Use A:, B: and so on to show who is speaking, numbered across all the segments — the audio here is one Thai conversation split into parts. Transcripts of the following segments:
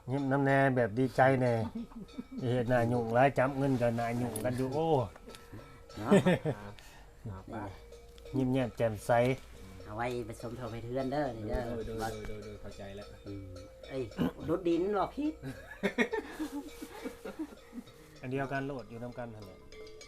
A: ยิ้มน้ำแน่แบบดีใจแน่เฮ็ดหน้ายุ่งหลายจับเงินก็หน้ายุ่งกันอยู่โอ้
B: เนาะ
A: ยิ้มแย้มแจ่มใส
B: เอาไว้ไปสมทบให้เทือนเด้อนี่เด้อ
C: โดยเข้าใจแล้ว
B: เอ้ยรถดินหรอพี่
A: อันเดียวกันโลดอยู่นํกันหั่นแหละ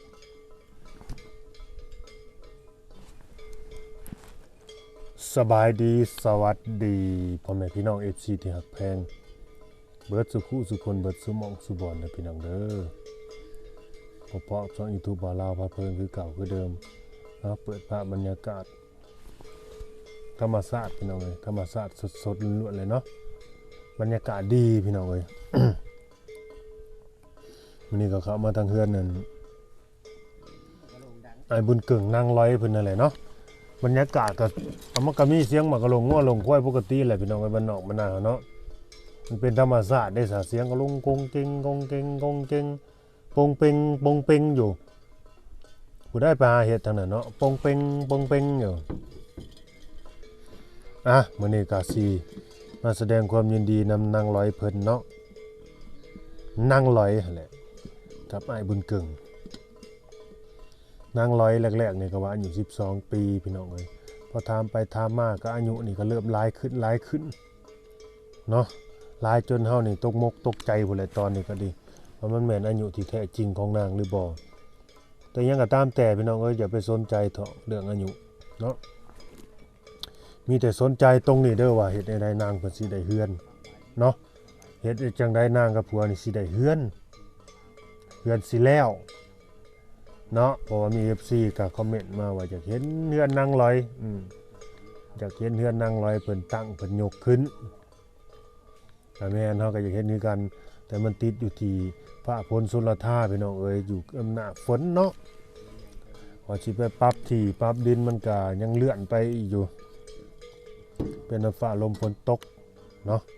A: สบายดีสวัสดีพ่อแม่พี่น้อง FC ที่ฮักแพงเบิดสุขุสุคนเบิดสุหมองสุบอนนะพี่น้องเด้อพอๆช่อง YouTube บ่าวลาวพาเพลินคือเก่าคือเดิมเปิดภาพบรรยากาศธรรมชาติพี่น้องเอ้ยธรรมชาติสดๆล้วนๆเลยเนาะบรรยากาศดีพี่น้องเอ้ย วันนี้ก็เข้ามาทางเฮือนนั่นไอ้บุญเกิ่งนางร้อยเพิ่นนั่นแหละเนาะบรรยากาศก็มันก็มีเสียงหมากระลงงัวลงควายปกติแหละพี่น้องไอ้บ้านนอกบ้านนาเนาะมันเป็นธรรมชาติได้ซะเสียงก็ลงกงเกงกงเกงกงเกงปงเปงปงเปงอยู่ผู้ได้ไปหาเฮ็ดทางนั้นเนาะปงเปงปงเปงอยู่มื้อนี้ก็สิมาแสดงความยินดีนำนางร้อยเพิ่นเนาะนางร้อยนั่นแหละกับไอ้บุญเกิ่งนางร้อยแรกๆนี่ก็ว่าอายุ12ปีพี่น้องเอ้ยพอถามไปถามมาก็อายุนี่ก็เริ่มหลายขึ้นเนาะหลายจนเฮานี่ตกมกตกใจพุ่นแหละตอนนี้ก็ดีว่ามันแม่นอายุที่แท้จริงของนางหรือบ่แต่ยังก็ตามแต่พี่น้องเอ้ยอย่าไปสนใจเถาะเรื่องอายุเนาะมีแต่สนใจตรงนี้เด้อว่าเฮ็ดใดนางเพิ่นสิได้เฮือนเนาะเฮ็ดจังไดนางกับผัวนี่สิได้เฮือนสิแล้วเนาะเพราะว่ามี FC ก็คอมเมนต์มาว่าอยากเห็นเฮือนนางลอยอยากเห็นเฮือนนางลอยเพิ่นตั้งเพิ่นยกขึ้นแต่แม่นเฮาก็อยากเห็นคือกันแต่มันติดอยู่ที่พระพลสุรธาพี่น้องเอ้ยอยู่อำนาจฝนเนาะพอสิไปปรับที่ปรับดินมันก็ยังเลื่อนไปอีกอยู่เป็นฟ้าลมฝนตกเนาะ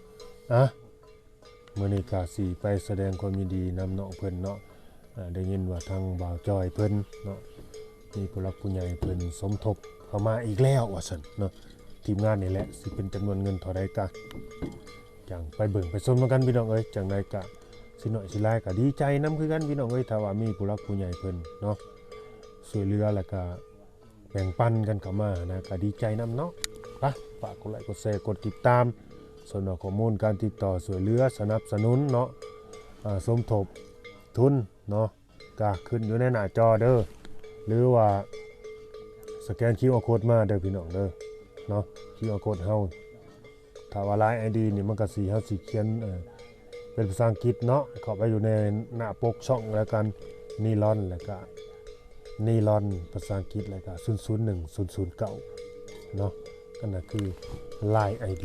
A: มื้อนี้ก็สิไปแสดงความยินดีนำน้องเพิ่นเนาะได้ยินว่าทางบ่าวจอยเพิ่นเนาะมีผู้หลักผู้ใหญ่เพิ่นสมทบเข้ามาอีกแล้วว่าซั่นเนาะทีมงานนี่แหละสิเป็นจำนวนเงินเท่าใดก็จังไปเบิ่งไปชมกันพี่น้องเอ้ยจังไดก็สิน้อยสิหลายก็ดีใจนำคือกันพี่น้องเอ้ยถ้าว่ามีผู้หลักผู้ใหญ่เพิ่นเนาะช่วยเหลือแล้วก็แบ่งปันกันเข้ามานะก็ดีใจนำเนาะไปฝากกดไลค์กดแชร์กดติดตามส่วนข้อมูลการติดต่อช่วยเหลือสนับสนุนเนาะสมทบทุนเนาะก็ขึ้นอยู่ในหน้าจอเด้อหรือว่าสแกน QR Code มาเด้อพี่น้องเด้อเนาะ QR Code เฮาถ้าว่า LINE ID นี่มันก็สิเฮาสิเขียนเป็นภาษาอังกฤษเนาะเข้าไปอยู่ในหน้าปกช่องแล้วกันนีลอนแล้วก็นีลอนภาษาอังกฤษแล้วก็001009เนาะนั่นน่ะคือ LINE ID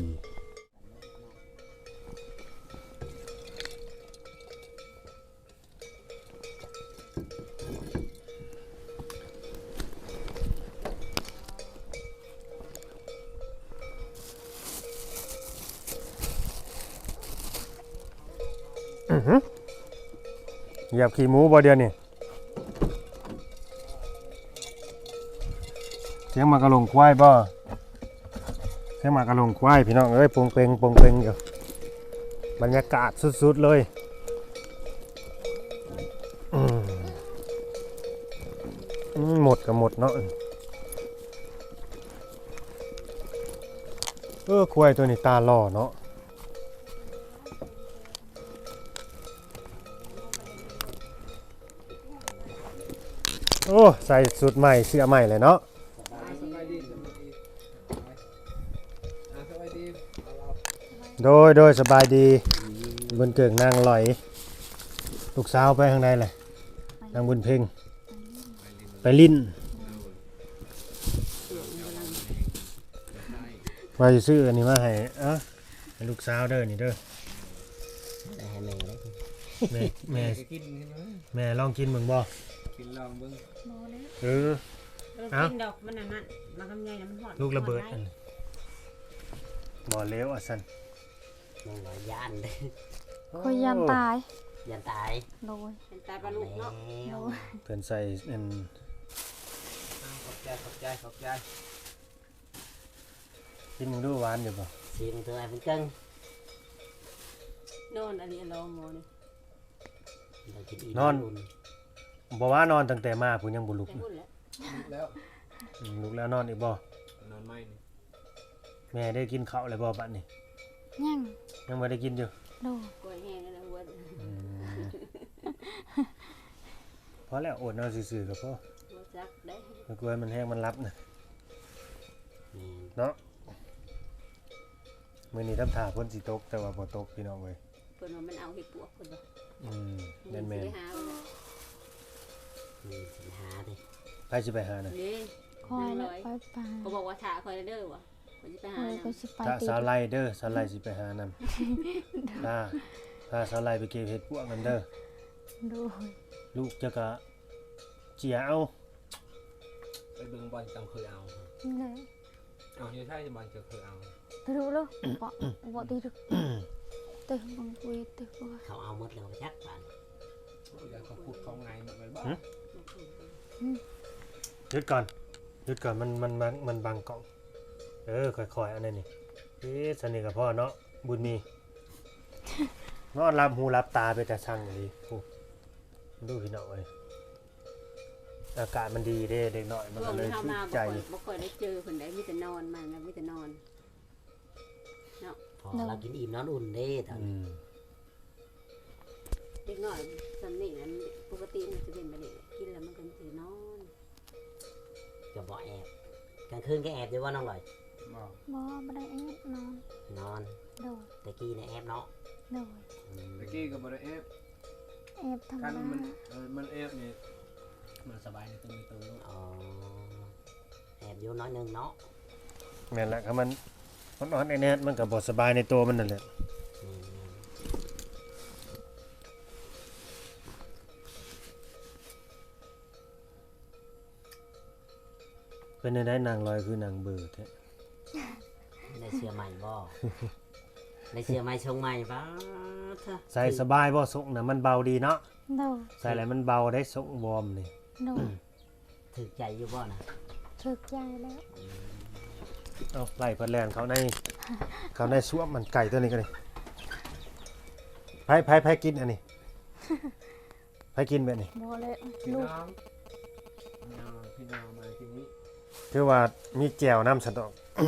A: เหยียบขี้หมูบ่เดียวนี่เสียงมากระลงควายบ่เสียงมากระลงควายพี่น้องเอ้ยปงเปงอยู่บรรยากาศสุดๆเลยหมดก็หมดเนาะควายตัวนี้ตาล่อเนาะโอ้ใส่สุดใหม่เสื้อใหม่เลยเนาะโดยสบายดีบนเกิงนางลอยลูกสาวไปข้างในเลยนางบุญเพ่งไปลิ้นมาซื้ออันนี้มาให้ให้ลูกสาวเด้อนี่เด้อแม่ลองกินมึงบ่
C: กินลองเบิ่ง
D: กินดอกมันนั่นมันทำไงนะมันหอด
A: ลูกระเบิดบ่เล้วสัน
B: นางร้อยย่านเด้
E: คอยยันตาย
B: ย่านตาย
E: โดย
D: เป็นตาปลาลูกเนาะ
E: โดย
A: เพิ่นใส่
C: ขอบใจ
A: กินมึงดูหวานอยู่บ่
B: เสียงเธอไอ้เป็นเกิ้ง
D: นอนอันนี้รอหมอนี่
B: เรากินอิ่ม
A: นอน
B: อุ่
A: บ่ว่านอนตั้งแต่มาผมยังบ่ลุก
D: แต่พูดแล้ว
C: แล้ว
A: ลุกแล้วนอนอีกบ่
C: นอนไม่นี่
A: แม่ได้กินข้าวแล้วบ่บัดนี้
E: ยัง
A: ยังบ่ได้กินอยู่
E: โด
D: กล้วยแห้งแล้วหัว
A: พอแล้วอดนอนซื่อๆก็พอ
D: หัวจักได้
A: แล้วกลัวมันแห้งมันรับนะ
B: อืม
A: เนาะมื้อนี้ทำท่าฝนสิตกแต่ว่าบ่ตกพี่น้องเอ้ย
D: เพิ่นว่ามันเอาเห็ดปวกเพิ่นว่า
A: แม่น
D: สิหาเอา
B: สิหาดิ
A: ๆไปสิไปหาน่ะ
D: นี่
E: คอยแล้วไปไป
D: เขาบอกว่าถ่าคอยเด้อว่ะเขาสิไป
E: ค
D: หา
E: อย
D: นะ
E: ก็สิไป
A: ถ้า
E: ติด
A: สาวไล่เด้อสาวไล่สิไปหานำถ้าสาวไล่ไปเก็บเห็ดพวกนั้นเด้อ
E: โดย
A: ลูกจะกะเจียเอา
C: ไปเบิ่งบอลจังเคยเอา
E: เลย
C: เอาอยู่ใช่บอลจะเคยเอา
E: ไปดูเลยบ่ติดตึงบังคุยตึงว่า
B: เขาเอาหมดแล้วจักปาน
C: เดี๋ยวเขาพูดเขาไงหมดเลยบ้า
A: หยุดก่อนมันบังกล้องค่อยๆอันนี้นี่สนิทกับพ่อเนาะบุญมีนอนรับหูรับตาไปแต่ช่างอย่างนี้โอ้ดูพี่น้องเอ้ยอากาศมันดีเด้เด็กน้อยมัน
D: ช่ว
A: ก็
D: ง
A: เลย
D: เข้า
A: ชื่
D: มาน
A: ใจ
D: บ่ค่อยได้เจอเพิ่นได้มีแต่นอนมันนะมีแต่นอน
B: พอเรากินอิ่มนอนอุ่นเด้ตอน
A: อืม
D: เด็กน้อยสำนี่นั้นปกติมันจะเป็นแบบนี้กินแล้วมันก็สินอน
B: จะบ่แอบกลางคืนก็แอบอยู่ว่าน้องลอย
C: บอก
E: บ่ได้แอบนอน
B: นอน
E: โดย
B: ตะกี้เนี่ยแอบเนาะ
E: โดย
C: ตะกี้กับบริเอฟ
E: แอบทำ
C: กัน
E: งา
C: มันเอฟเนี่ยมันสบายในตัวในตัว
B: อ๋อแอบอยู่น้อยหนึงเนาะ
A: แม่นละครับมันอ่อนๆแน่ๆมันก็บ่สบายในตัวมันนั่นแหละ
B: อืม
A: เป็นได้นางลอยคือนางเบื่อแท้
B: ได้เสื้อใหม่บ่ ได้เสื้อใหม่ชงใหม่ปะเถอะ
A: ใส่สบายบ่ส่งน่ะมันเบาดีเนาะ
E: โดย
A: ใส่แล้วมันเบาได้ส่งวอร์มนี่
E: โดย
B: ถึกใจอยู่บ่นะ
E: ถึกใจแล้ว
A: เอาไล่เพิ่นแล่นเขาในสวมมันไก่ตัวนี้ก็ได้ไผกินอันนี้ไผกินแบบนี้
E: บ่เลย
C: พี่
E: ลู
C: น้
E: ก
C: องพี่น้องมาทีนี้
A: คือว่ามีแจ่วน้ำสะดอก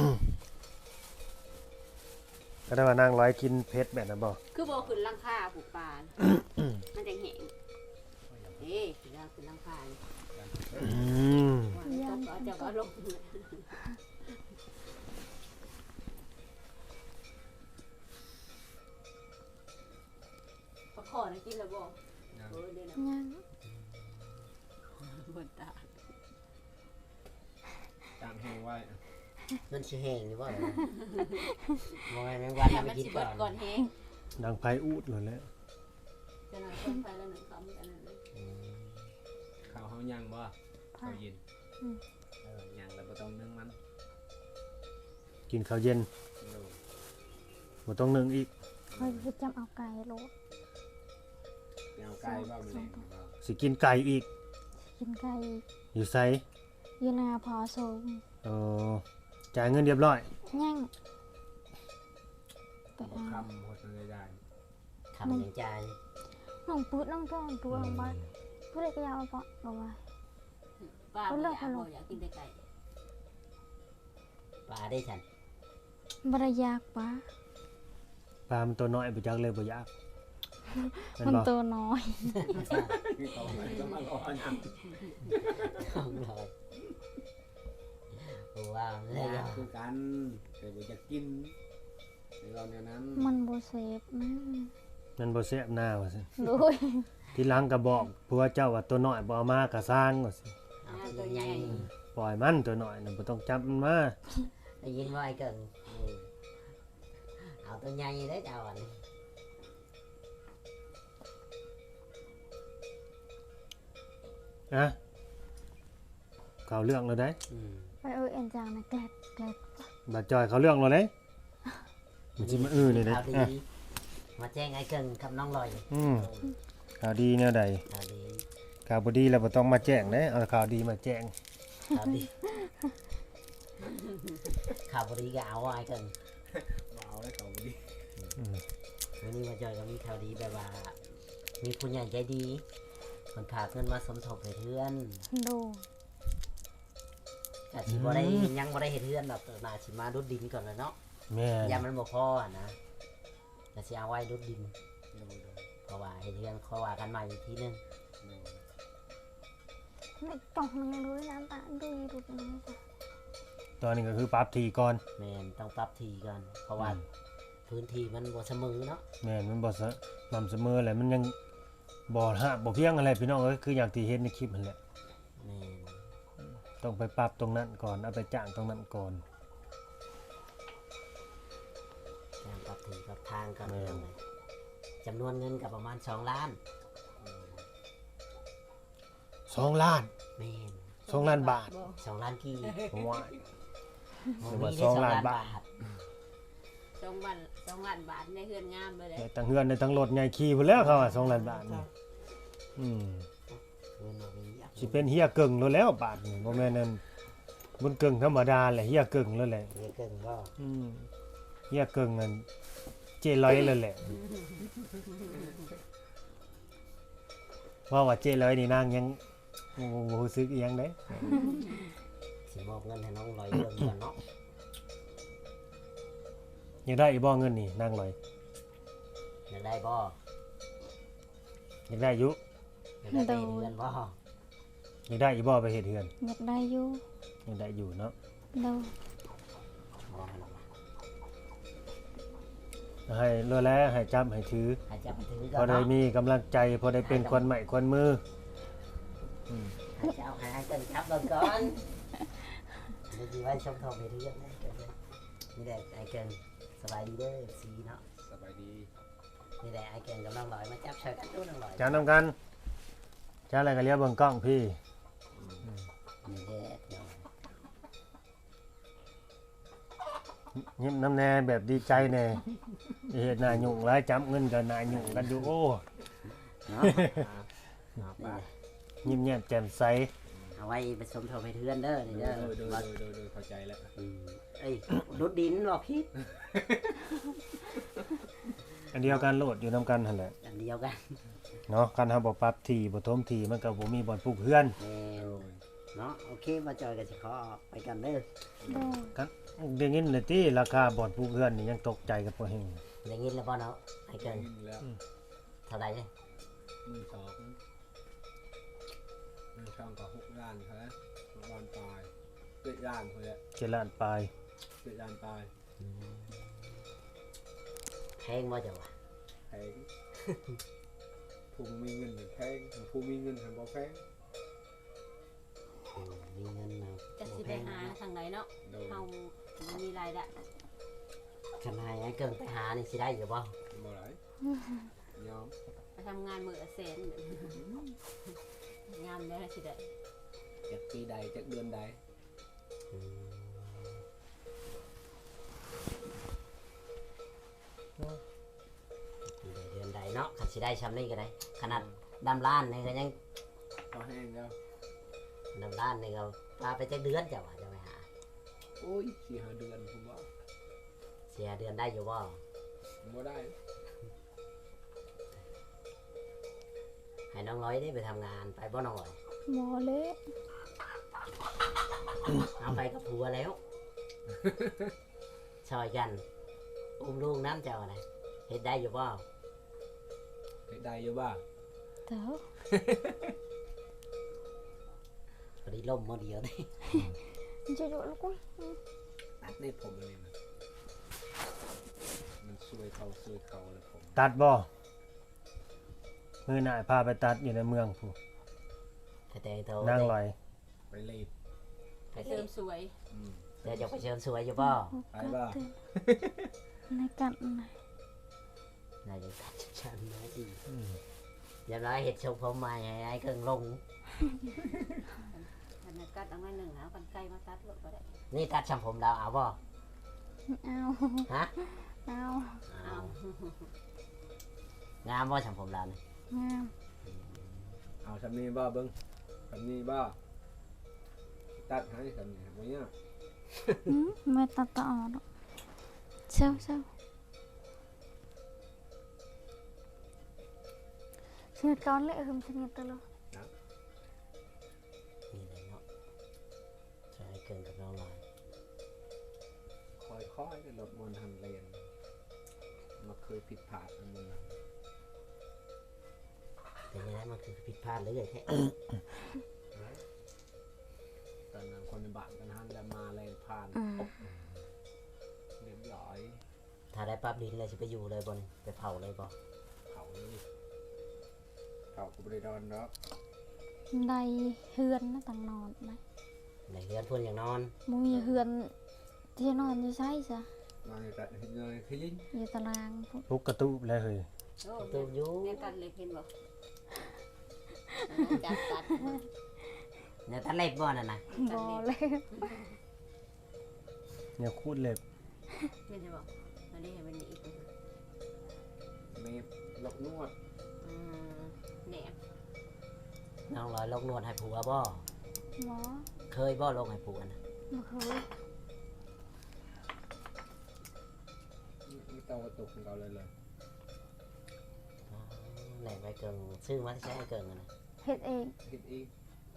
A: ก็ได้ว่านางร้อยกินเผ็ดแบบนั้นบ่
D: คือบ่ขึ้นหลังคาผูกปลามันจังแห้งขึ้นหลังคา
A: อืม
D: ว่าตกเอาเจ้าก็ลงปลาขอนะกินแล้วบ่เออเดี๋ยวนะ
E: ยัง
D: บนตา
C: ตามแหงไว้
B: มันสิแห้งอยู่บ่ล่ะบ่ให้แมงวัน
D: อย่า
B: เอาไป
D: มัน
B: กิน
D: สิ
B: ก่
D: เบิ
B: อ
D: ด
B: น
D: ก่อนแห้ง
A: ดังไผอูดเลยแหละ
D: จะนำต้นไฟแล้วหนึ่งคำกันนั่นเลย
B: อืม
C: ข้าวเฮายังบ่ข้าวเย็นยังแล้วบ่ต้องนึ่งมัน
A: กินข้าวเย็นบ่ต้องนึ่งอีก
E: คอยคือจำเอาไก่โลด
C: เอาไก่บ่มาเล่นบ่
A: สิกินไก่อีก
E: กินไก่
A: อยู่ไส
E: อยู่นาพอสูง
A: เออจ่ายเงินเรียบร้อย
E: ยังไป
C: บ่
E: เอา
C: คำหมดเลยได้
B: คำยังใจ
E: น้องปืดน้องตัวลงไปผู้เล็กก็ยาวปะบอกว่า
D: ป้าบ่อยากบ่อยากกินแต่ไก่
B: ปลาได้ฉัน
E: บรยากปะ
A: ปลามันตัวน้อยบ่จักเลยบ่อยากแม่น
E: มัน
A: บ่
E: ตัวน้อย
C: คือเขาไม่ต้องมารอยัง
B: น้องลอยว้าว
C: แล้
B: แล้ว ว
C: คือกันแต่บ่จะกินในเราเนี่ยนั้น
E: มันโบเซฟนะ
A: มันบ่แซ่บหน้าว่าซั่น
E: โดย
A: ทีหลังก็บอกผัวเจ้าว่าตัวน้อยบ่เอามาก็สร้างว่าซั่น
B: เอาตัวใหญ่
A: ปล่อยมันตัวน้อยน่ะบ่ต้องจับมันมา
B: ได้ยินว่าไอ้เกิงเอาตัวใหญ่ได้เจ้าอันนี้
A: นะเข้าเรื่องแล้วได้
B: อืม
E: ไปเอ็นจางนะแกลบ
A: บัดจอยเข้าเรื่องแล้วเด้มันสิมานี่เด้
B: ข่าวดี
A: อ่ะ
B: มาแจ้งไอ้เกิงกับน้องลอย
A: ข่าวดีแนวใด
B: ข่าวดี
A: ข่าวบ่ดีแล้วบ่ต้องมาแจ้งเด้เอาข่าวดีมาแจ้ง
B: ข่าวดีข่าวดีก็เอาไอ้เกิง
C: บ่เอาแล้วเขาบ่ดี
B: วันนี้มาจอยก็มีข่าวดีแบบว่า มีผู้ใหญ่ใจดีคนฝากเงินมาสมทบให้เพื่อน
E: โด
B: แต่สิบ่ได้ยังบ่ได้เฮ็ดเพื่อนดอกน่าสิมารุดดินก่อนแล้วเนาะ
A: แม่น
B: ยามมันบ่พออะนะแต่สิเอาไว้รุดดิน
C: โดย
B: เพราะว่าเฮ็ดเพื่อนเขาว่ากันใหม่อีกทีนึง
E: ไม่ต้องยังรู้น้ำตาดูดูดู
A: ตอนนี้ก็คือปรับทีก่อน
B: แม่นต้องปรับทีก่อนเพราะว่าพื้นที่มันบ่เสมอเนาะ
A: แม่นมันบ่สม่ำเสมอแหละมันยังบ่ฮะบ่เพียงอะไรพี่น้องเอ้ยคืออย่างที่เห็นในคลิปนั่นแหละ
B: แม่น
A: ต้องไปปรับตรงนั้นก่อนเอาไปจ้างตรงนั้นก่อน
B: การปรับทีปรับทางก่อน
A: แม่น
B: เรื่องเลยจำนวนเงินก็ประมาณ2 ล้าน
A: 2 ล้าน
B: แม่น
A: 2 ล้านบาท
B: 2 ล้านกี่
A: ผมว่า
B: บ่
A: หรือว่า
B: มีได้
A: 2 ล้านบาท
D: 2 ล้านบาทในเฮือนงามเลยแหละ
A: ได้ทั้งเฮือนได้ทั้งรถใหญ่ขี่พุ่นแล้วเขาว่า2 ล้านบาทนี่
B: เงินบ่มีอะ
A: สิเป็นเฮียเกิงโลดแล้วบาทนี่บ่แม่นนั่นบนเกิงธรรมดาแหละเฮียเกิงแล้วแหละ
B: เดี๋ยวเกินก็
A: เฮียเกิงนั่นเจร้อยแล้วแหละว่าเจร้อยนี่นางยังบ่รู้สึกอีหยังเด้
B: สิมอบเงินให้น้องลอยเรื่องก่อนเนาะ
A: อยากได้อีบ่เงินนี่นางร้อย
B: อยากได้บ่
A: อยากได้อยู่
B: อยากได้ไปเฮ็ดเรือนบ่
A: อยากได้อีบ่ไปเฮ็ดเฮือน
E: อยากได้อยู่
A: อยากได้อยู่เนาะ
E: โด
B: บ่ให้หรอก
A: ให้เลือแล้วให้จับให้ถือ
B: ให้จับไปถือ
A: พ
B: ก่
A: อ
B: อน
A: ได้
B: เนาะ
A: มีกำลังใจพอได้เป็นคนใหม่คนมือ
B: ให้เจ้าให้เกินจับเบิ่งก่อนเดี๋ยวสิไว้ชมทบให้เรือนนะเกินเลยนี่แหละไอ้เกินสบายดีเด้อ FC เนาะ
C: สบายดี
B: นี่แหละไอ้เกินกับน้องลอยมาจับช่วยกันดูน้องลอย
A: จ้าน้ำกันจ้าอะไรก็เรียกเบิ่งกล้องพี่
B: นี่แหละเนาะ
A: ยิ้มน้ำแน่แบบดีใจแน่เฮ็ดหน้ายุ่งหลายจับเงินก็หน้ายุ่งกันอยู่โอ้
B: เนาะ
C: หา
B: นี่
C: ปลา
B: แหละ
A: ยิ้มแย้มแจ่มใส
B: เอาไว้ไปชมทบให้เรือนเด้อนี่เด้อ
C: โดย
B: ว่า
C: เข้าใจแล้ว
B: เอ้ยรุดดินบ่พี่
A: อันเดียวกันโลดอยู่น้ำกันหั่นแหละ
B: อันเดียวกัน
A: เนาะการทำบ่ปรับที่บ่ทมที่มันก็บ่มีบ่อนปลูกเฮือน
B: แม่นเนาะโอเคมาจอยกันสิขอไปกันเด้อ
E: โด
A: กันได้ยินเลยติราคาบ่อนปลูกเฮือนนี่ยังตกใจกับบ่แฮง
B: ได้ยินแล้วบ่เนาะไอ้เกิน
C: แล้ว
B: เท่าไหร่เนี่ย
C: 12มันช่องก็6 ล้านครับ6 ล้านปลาย7 ล้านพุ่นแหละ
A: 7 ล้านปลาย
C: 7 ล้านปลาย
B: แพงบ่จังวะ
C: แพงผู้มีเงินแพงผู้มีเงินบ่แพง
B: มีเงินมา
D: จะสิไปหาทางไหนเนาะ
C: โดย
D: เฮามีรายได้
B: คันให้ไอ้เกินไปหานี่สิได้อยู่บ่
C: บ่หลายยอม
D: ไปทำงานมื้อละแสนงามได้สิได้
C: จากปีใดจากเดือนใด
B: เดือนใดเนาะคันสิได้ชำนี้ก็ได้ขนาดดำล้านนี่ก็ยัง
C: พอแห้งแล้ว
B: ดำล้านนี่ก็พาไปจักเดือนจ้ะว่าจะไปหา
C: โอ้ย4-5 เดือนผมว่า
B: เสียเดือนได้อยู่บ่
C: บ่ได้
B: ให้น้องร้อยได้ไปทำงานไปบ่น้องร้อย
E: หมอเละ
B: เอาไปกับผัวแล้วช่วยกันอุ้มลูกน้ำเจ้าอะไรเฮ็ดได้อยู่บ่
C: เฮ็ดได้อยู่บ่
E: เต้า
B: พอดีล่มมาเดียวนี่
E: จะอยู่ลูกกุ้ย
C: ตัดในผมเลยนะมันสวยเขาเลยผม
A: ตัดบ่มื้อหน้าพาไปตัดอยู่ในเมืองพู้
B: แต่โต
A: นางลอย
C: ไปเลย
B: ไป
D: ไป
B: เติ
D: เติ
B: ม
D: มสวย
B: เดี๋ยวจะไปเชิญสวยอยู่บ่
C: ไปบ่
E: ในกันไหน
B: นายจะตัดฉันนะดีอย่าร้อยเห็ดชงผมใหม่ให้ไอ้เครื่องลง
D: อันนั้นกัดเอาไว้หนึ่งเอากันไกลมาตัดรถก็ได้
B: นี่ตัดช่างผมดาวเอาบ่
E: เอา
B: ฮะ
E: เอา
B: เอางามบ่ช่างผมดาวนี่
E: งาม
C: เอาสำนีบ่เบิ่งสำนีบ่ตัดให้สำนีบ่เนี่ย
E: ไม่ตัดต่อหรอกเช่า sinh nhật con lẽ không sinh nhật tao luôn
B: นี่เลยเนาะใช่เกินกับน้องลอย
C: ค่อยๆจะลดมวลทางเลนมาเคยผิดพลาดอันนึง
B: แต่ยังไงมันคือผิดพลาดเลยแท้
C: ตอนนั้นคนในบ้านกันหันแล้วมาเลนผ่านเรียบร้อย
B: ถ้าได้ปั๊บดินเลยจะไปอยู่เลยบนไปเผาเลยบ่
C: เขานี่เขาก็ไม่ได้นอนเนาะ
E: đây hươn nó tầng nòn này
B: ในเรือนเพื่อนอย่างนอน
E: mua giờ hươn thì nòn như say sao
C: นอนในแต่เงยขยิง
E: giờ tao lang
A: ปุกกระตุบแล้วเฮ้ย
D: โอ้
B: ตัวอยู่
D: แม่ตัดเล็บเห็นบ่จับตัด
B: เนี่ยตัดเล็บบ่นั่นน่ะ
E: bò lên
A: เนี่ยคูดเล็บ
D: ไม่ใช่บ่อันนี้ให้มันอีก
C: เมฟลกนวด
D: แหนบ
B: น้องลอยลงนวดให้ผัวบ่
E: bó
B: เคยบ่ลงให้ผัวนะ
E: mà khơi
C: ไม่ต้องกระตุกของเราเลย
B: อ๋อแหล่ไปเกิงซื้อมาที่ใช้ให้เกิงอะนะ
E: hết em
C: คิดอีก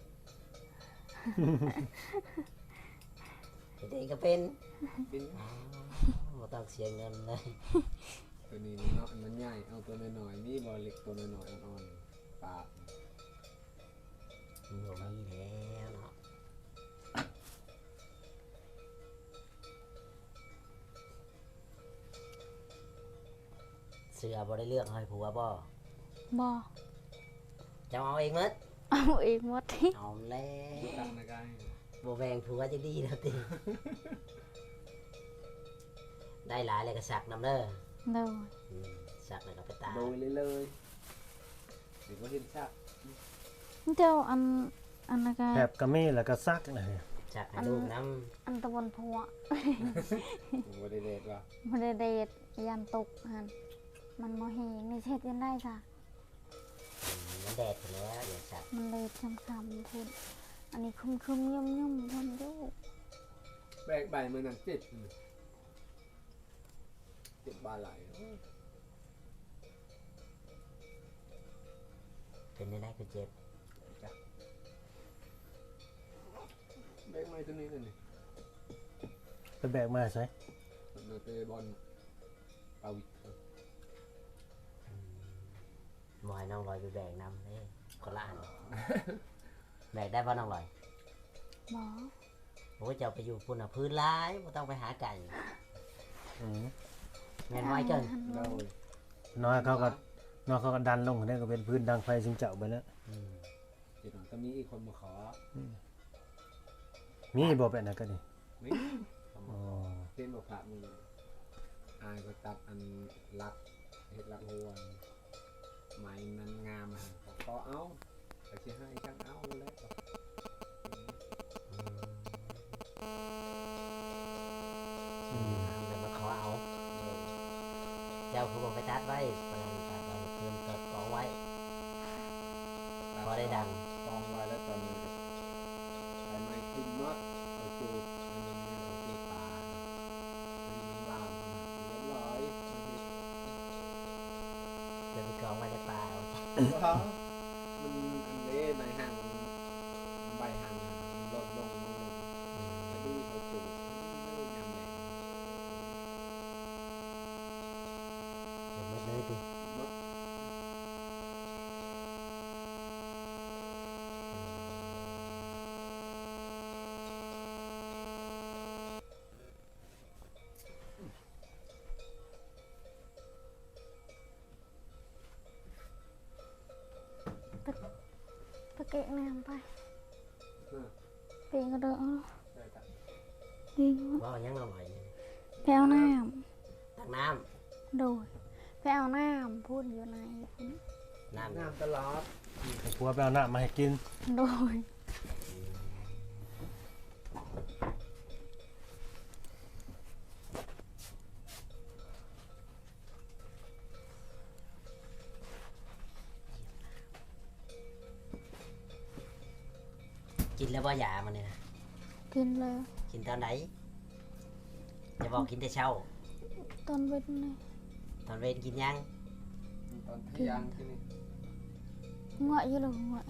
B: เฮ็ดเองก็เป็น
C: เป็น
B: อ๋อบ่ต้องเสียเงินเลย
C: ตัวนี้เนาะมันใหญ่เอาตัวน้อยๆนี่บอเล็กตัวน้อยๆอ่อนๆปาก
B: บ่มีแล้วเนาะเสื้อบ่ได้เลือกให้ผัวบ่
E: bò
B: เจ้าเอาเองหมด
E: ao em mất đi
B: เอาแล้ว
C: ตั้งในกาย
B: บ่แบ่งผัวจะดีแล้วติ ได้หลายเลยก็สักนำเด้อ
E: rồi
B: อืมสักแล้วก็ไปตาก
C: โดยเลยเดี๋ยวก็เห็นชัก
E: theo ăn là
A: แถ
E: cái
A: บกระมี่แล้วก็ซักนะเฮ้ย
B: สักให้ลูกน้
E: ăn tao bồn phọ
C: ผมว่าได้เด็ดว่ะ
E: mà để đẹp ăn tục hẳn mình mò hề người chết đến đây sao
B: ำมันแดดไปแล้วเดี๋ยวสัก
E: มันเลยช้ำๆพูดอันนี้คุ้มๆย่อมๆพูดดู
C: แบกใบมันนั่งเจ็ดบาไหล
B: เป็นได้คือเจ็บ
C: แบกไม้ตัวนี้เลยนี่
A: ไปแบกมาใช่
C: มันเตะบอลเอาวิก
B: หมอยน้องลอยไปแบกนำนี่คนละอัน แบกได้ป่ะน้องลอย
E: บอ
B: โอ้ยจะเอาไปอยู่พุ่นอ่ะพื้นร้ายไม่ต้องไปหาไก่
A: อืม
B: แม่นไว้เกิน
C: โดย
A: น้อยเขาก็ดันลงนี่ก็เป็นพื้นดังไฟซิงเจ้าไปแล้ว
B: อืม
C: เดี๋ยวหน่อยก็มีอีกคนมาขอ
A: มีบ่เป็นนะก็ดิ
C: ไม่
A: อ๋อ
C: เต้นบอกพระมึงอายก็ตัดอันรักเห็ดรักหัวไม้นั้นงามอ่ะขอเอาแต่ที่ให้ช่างเอาแล้ว
B: เดี๋ยวมาขอเอา เจ้าคือบอกไปตัดไว้ประมาณตัดไว้เพิ่มเกิดกองไว้ พอได้ดัง
C: กองไว้แล้วตอนนี้ไอ้ไม้ขึ้นมดเอาจูดอันนี้เอาตีปลาอันนี้มันลามเรียบร้อย
B: เดี๋ยวไปกองไว้ในป่าเอาจ้ะ
C: ว้าวมันอันนี้ในห่างใบห่างลดลงอันนี้เอาจูดอันนี้ไม่ยำแรง
B: เดี๋ยวหมดเลยติ
C: มด
E: ตะเกะแนมไป
C: Ừ.
E: ปีก็เด้อ
C: ได้ครับ
E: ดี
B: ว่ายังเราหน่อย
E: ไปเอาน้
B: ตักน้
E: ำโดยไปเอาน้ำพูดอยู่ในพุ่น
B: ำน้ำ
C: น้ำตลอด
A: ให้ผัวไปเอาน้ำมาให้กิน
E: โดย
B: กินแล้วว่ายามันเนี่ยนะ
E: กินเลย
B: กินตอนไหนจะบอกกินแต่เช้า
E: ตอนเว้นเลย
B: ตอนเวรกินยัง
C: ตอนเที่ยงที่นี่
E: ngoại như là ngoại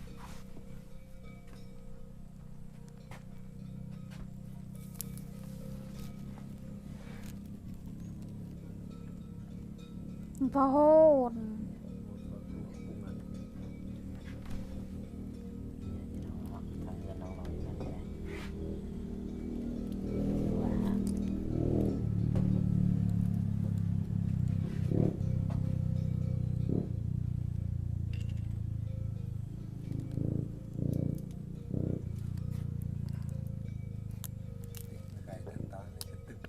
E: พอโหด
B: ทางเงินน้องลอยกันได้ว่า
C: ไก่เดินตามเลยจะตึก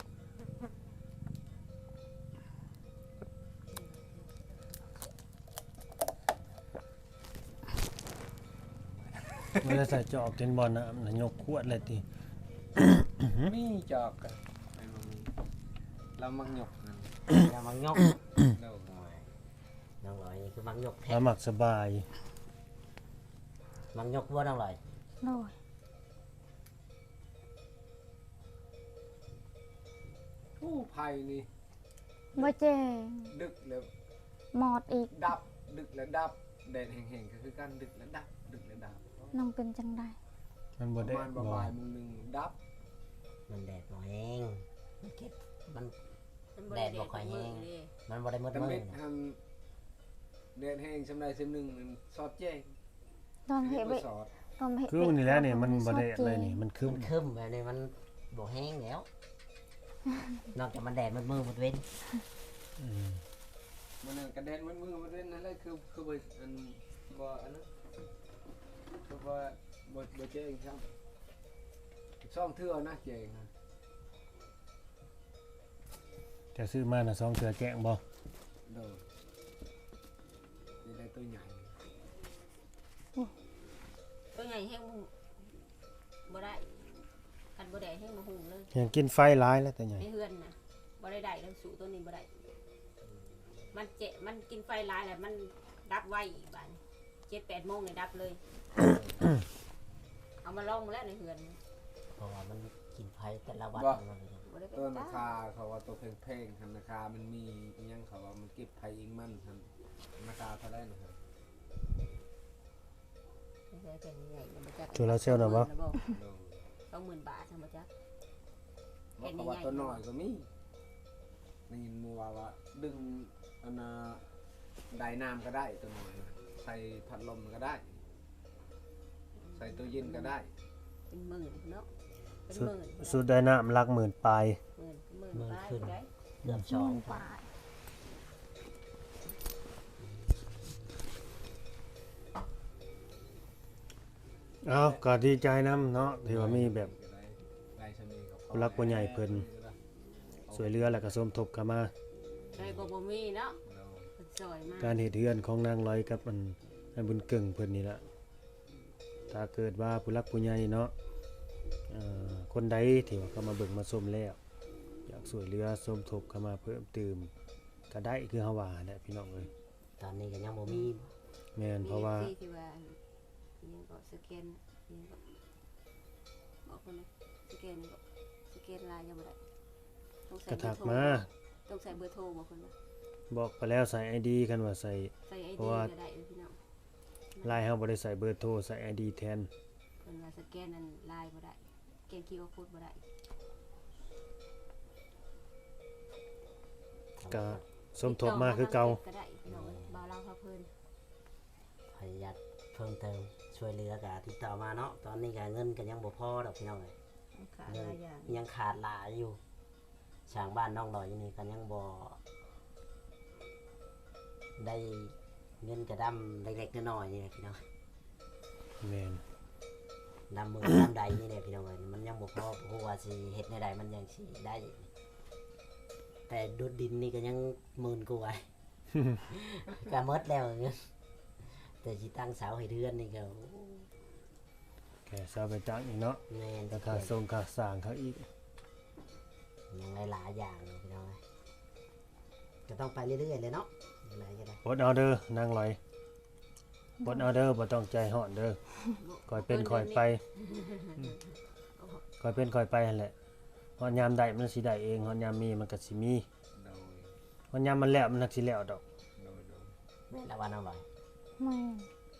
A: เวลาใส่จอกเจนบอลน่ะมันยกขวดเลยติ
C: มีจอกกันไอ้บ่มีเรามักหยกนั่น
B: อย่ามังยก
C: เด้อ
B: น้องลอยนี่คือมังยกแท้
A: แล้วหมักสบาย
B: มังยกว่าน้องลอย
E: rồi
C: ผู้ภัยนี่
E: mới chè
C: ดึกแล้ว
E: mọt ít
C: ดับดึกแล้วดับแดดแห้งๆก็คือการดึกแล้วดับดึกแล้วดับ
E: nông pin chẳng đây
A: มัน
C: ป
A: บ่
C: ระ
A: ได้
C: มาณ
A: บ่
C: บ่ายโมงหนึงดับ
B: มันแดดบ่แห้งมันเก็บมัน
D: มัน
B: แดดบ่ค่อยแห้ง
D: เด้
B: มันบ่ได้มืด
C: แต่
B: มื
C: เม็
B: ด
C: ดทำแดดแห้งสำใดสำหนึ่งมันสอดแจ้ง
E: toàn
C: อันนี้
E: hệ
C: บ่
E: bị
C: สอด
E: toàn hệ
A: คือนี่แหละนี่มันบ่ได้อะไรนี่มันคือ
B: มันคึมแบบนี้มันบ่แห้งแล้ว นอกจากมันแดดมันมืดมันเว้น
A: อืม
C: มันนนกระเด็นมันมือมันเล่นนั่นแหละคือบ่อันบ่อันนั้นคือบ่แจ้งครับซ่อมเทื่อนะแจ้งนะ
A: จะซื้อมาน่ะ2เทื่อแกงบ่
C: โดนนี่ได้ตัวใหญ่
D: ตัวใหญ่แห้งบ่ได้คันบ่ได้แห้งบ่หุงเลย
A: ยังกินไฟหลายแล้วแต่ใหญ่
D: ในเฮือนน่ะบ่ได้แล้วสู่ตัวนี้บ่ได้มันกินไฟหลายแหละมันดับไวอีกบาด7-8 โมงเนี่ยดับเลย เอามาลองแล้วในเฮือน
B: เพราะว่ามันกินไผแต่ละวันมันเลย
D: บ่ได้ไป
C: ตัวรา
D: ตา
C: คาเขาว่าตัวแพงๆคันราคามันมีอิหยังเขาว่ามันเก็บไผเองมันคันราคาเท่าไหร่นะครับ
D: ไม่ใช่เป็นใหญ่ๆบ่จัก
A: โซลาร์เซลล์น่ะบ่
C: โดน
D: 20,000 บาทซั่นบ่จัก
C: ว่าเขาว่าตัวน้อยก็มีนี่มัวว่าดึงอันน่ะไดน้ำก็ได้ตัวน้อยนะใส่พัดลมก็ได้ ใส่ตู้เย็นก็ได้
D: เป็นหมื่นเนาะเป็น
A: สุ
D: ห
A: ด
D: มื่น
A: สุดได้น้ำหลักหมื่นปลาย
D: หมื่นได้อยู่ได้
B: เกือบสอง
E: mừng phải
A: เอาก็ดีใจนํเนาะที่ว่ามีแบบ
C: ได้ชนีกับ
A: ผู้รักผู้ใหญ่เพิ่น สวยเรือแล้วก็สมทบเข้ามา
D: ได้ก็บ่มีเนาะเพิ่นซอยมา
A: การเฮ็ดเฮือนของนางร้อยกับมันให้บุญเก่งเพิ่นนี่ล่ะถ้าเกิดว่าผู้รักผู้ใหญ่เนาะคนใดที่ว่าเข้ามาเบิ่งมาชมแล้วอยากสวยเรือสมทบเข้ามาเพิ่มเติมก็ได้คือเฮาว่าแหละพี่น้องเอ้ย
B: ตอนนี้ก็ยังบ่มี
A: แม่นเพราะว่า
D: มีที่ว่ายังก็สแกนยังก็บอกคนนะสแกนก็สแกนลายยังบ่ได้ต้อง
A: ก
D: ใส่
A: ระ
D: เบอ
A: ถัก
D: ร์โทร
A: มา
D: ต้องใส่เบอร์โทรบอกคนว่า
A: บอกไปแล้วใส่ ID กันว่าใส่
D: ใส่ไอ
A: เพ
D: ดี
A: ราะว่า
D: ก็ได้พี่น้อง
A: ไลน์เฮาบ่ได้ใส่เบอร์โทรใส่ ID แทน
D: เพิ่นว่าสแกนนั้นลายบ่ได้สแกน QR code บ่ได้
A: ก็สมทบมาคือเก่า
D: ก็ได้พี่น้องเอ้ยบ่าวเล่าพาเพิ่น
B: พยายามเพิ่มเติมช่วยเหลือก็ติดต่อมาเนาะตอนนี้ก็เงินก็ยังบ่พอดอกพี่น้องเอ้ย
D: ขาดหลายอย่าง
B: ยังขาดหลายอยู่ช่างบ้านน้องดอยอยู่นี่ก็ยังบ่ได้เงินกระดำเล็กๆน้อยๆนี่แหละพี่น้อง
A: แม่น
B: นำมือ นำใดนี่แหละพี่น้องเอ้ยมันยังบ่พอเพราะว่าสิเฮ็ดในใดมันยังสิได้ แต่ดูดดินนี่ก็ยังหมื่นกว่า ก็หมดแล้วเงินแต่สิตั้งเสาให้เดือนนี่ก็
A: แค่ซาไปจักอีกเนาะ
B: แม่น
A: ราคาส่งค่าสร้างเขาอีก
B: ยังหลายๆอย่างเลยพี่น้องเอ้ยก็ต้องไปเรื่อยๆเลยเนาะยังไงก็ได้
A: อดเอาเด้อนางลอยอดเอาเด้อบ่ต้องใจฮ้อนเด้อคอยเป็นคอยไปคอยเป็นคอยไปนั่นแหละฮอดยามได้มันสิได้เองฮอดยามมีมันก็สิมี
C: โดย
A: ฮอดยามมันแล้วมันนักสิแล้วดอก
C: โดย
B: แม่นละวันเอาไว้
E: mày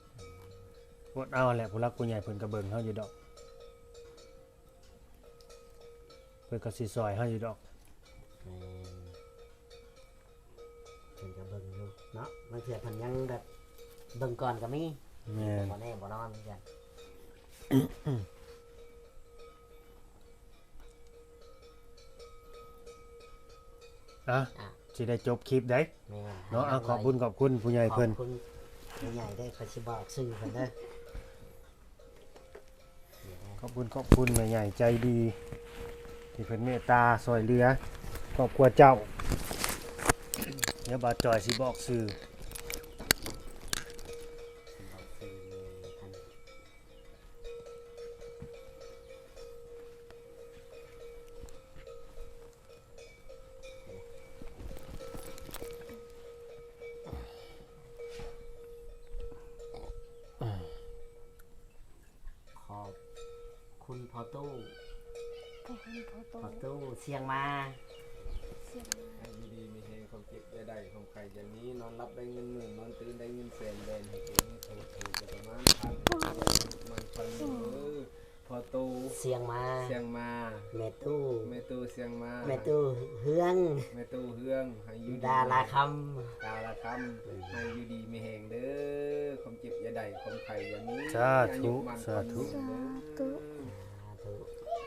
A: อดเอาแหละผู้รักผู้ใหญ่เพิ่นก็เบิ่งเฮาอยู่ดอกเพิ่นก็สิซอยเฮาอยู่ดอก
B: แม่นเพิ่นก็เบิ่งอยู่เนาะบางเทื่อเพิ่นยังแบบเบิ่งก่อนก็มี
A: แม่น
B: บ่แน่บ่นอนเหมือนกัน
A: อ่ะ
B: อ่ะ
A: สิได้จบคลิปได้
B: แม่น
A: เนาะขอบคุณผู้ใหญ่เพิ่น
B: ขอบคุณผู้ใหญ่ได้ขอสิบอกชื่อเพิ่นเด้อ
A: ขอบคุณแม่ใหญ่ใจดี ที่เพิ่นเมตตาซอยเหลือครอบครัวเจ้าเดี๋ยวบ่าวจอยสิบอกชื่อ
B: บอกชื่อเลยท่านขอบคุณพ่อตู้
E: ก็เห็นเขาโต
B: พ่อตู้เสียงมา
E: เสียงมา
C: ให้ดีๆมีเฮความเจ็บได้ของใครอย่างนี้นอนรับได้เงินหมื่นนอนตื่นได้เงินแสนแบนให้เองถูกจะประมาณพันมันฟันพอตู
B: เสียงมา
C: เสียงมา
B: แม่ตู้
C: แม่ตูเสียงมา
B: แม่ตู้เฮือง
C: แม่ตูเฮืองให้อยู่
B: ดาราค
C: ดาราคำให้อยู่ดีมีแหงเด้อความเจ็บอย่าได้ความไข่อย่ามี
A: สาธุ
C: อายุมัน
A: สาธุ
C: คนยืนเด้อ
B: ำถูก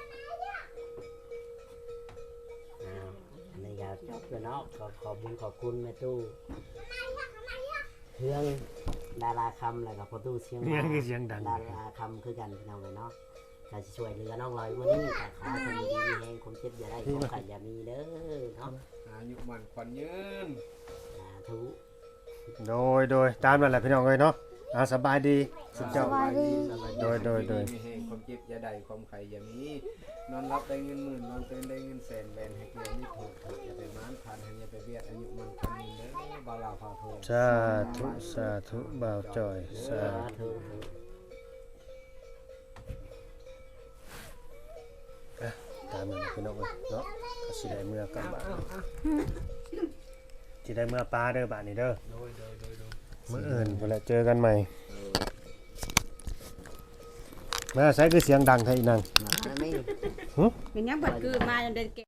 B: อันนี้ก็จบแล้วเนาะขอบคุณขอบคุณแม่ตู้เฮืองดาราคำแล้วก็พ่อตู้เสียง
A: เนี่
B: มาย
A: คือเสียงดัง
B: ดาราคำคือกันพี่น้องเลยเนาะการช่วยเหลือน้องลอยวันนี้แต่ขอให้คนดีมีแหงความเจ็บอย่าได้ความไข่อย่ามีเด้อเนาะ
C: อายุมันควันยืน
B: สาธุ
A: โดยตามนั่นแหละพี่น้องเอ้ยเนาะสบายดีสุดเจ้า
E: สบายดี
A: โดย
C: มีแหงความเจ็บอย่าได้ความไข่อย่ามีนอนรับได้เงินหมื่นนอนตื่นได้เงินแสนแบนให้เกียรตินี่ถูกอย่าไปม้านพันให้อย่าไปเบียดอายุมันควันยืนเด้อบาลาพาโท
A: สาธุบ่าวจอยสา
B: สา
A: ธุ
B: ธุ
A: ตามนั้นพี่น้องเอ้ยเนาะก็สิได้เมื่อกลับบ้านสิได้เมื่อป้าเด้อบ้านนี้เด้อ
C: โดย
A: มื้ออื่นพุ่นแหละเจอกันใหม่มาใส่คือเสียงดังแท้อีนาง
B: มาไม่
D: เป็นยังบัดเกิดมาจนได้